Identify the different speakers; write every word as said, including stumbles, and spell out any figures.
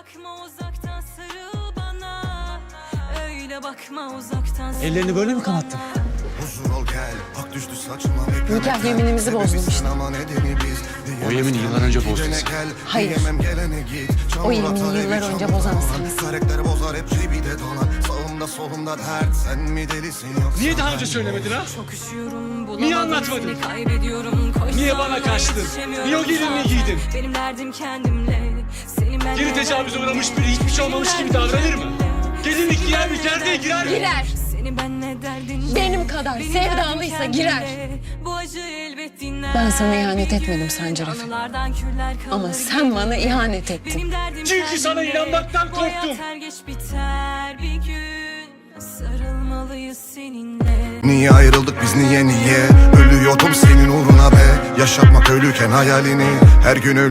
Speaker 1: bakma uzaktan sarıl bana. Öyle bakma uzaktan sarıl.
Speaker 2: Ellerini böyle mi kanattın?
Speaker 3: Huzur ol gel, ak düştü saçıma.
Speaker 4: Nikah yeminimizi bozdum işte.
Speaker 2: O yemini yıllar önce bozdun sen.
Speaker 4: Hayır. O yemini yıllar önce bozan sensin.
Speaker 3: Karakter bozar hep cebide dolan. Sağımda solumda dert, sen mi delisin yoksa?
Speaker 2: Niye daha önce söylemedin ha?
Speaker 1: Çok üşüyorum, bulamadım,
Speaker 2: Niye anlatmadın?
Speaker 1: seni kaybediyorum. Koşsam
Speaker 2: Niye bana kaçtın?
Speaker 1: yetişemiyorum
Speaker 2: Niye o gelinliği
Speaker 1: sana.
Speaker 2: giydin?
Speaker 1: Benim derdim kendimle. Senin ben
Speaker 2: Geri tecavüze uğramış biri hiçbir şey olmamış gibi davranır mı? Gelinlik giyer mi? Gerdeğe girer mi?
Speaker 4: Girer.
Speaker 1: Seni ben ne derdin?
Speaker 4: Benim kadar
Speaker 1: Benim
Speaker 4: sevdalıysa
Speaker 1: derdim
Speaker 4: girer.
Speaker 1: kendimle. Bu acı elbet dinler.
Speaker 4: Ben sana ihanet
Speaker 1: bir gün.
Speaker 4: etmedim Sancar Efe.
Speaker 1: Anılardan küller kalır
Speaker 4: Ama sen bana ihanet ettin.
Speaker 1: Benim derdim
Speaker 2: Çünkü sana
Speaker 1: kendimle.
Speaker 2: inanmaktan
Speaker 1: Bu hayat
Speaker 2: korktum.
Speaker 1: her geç biter bir gün. Sarılmalıyız seninle.
Speaker 3: Niye ayrıldık biz niye niye? Ölüyordum senin uğruna be. Yaşatmak ölüken hayalini. Her gün öl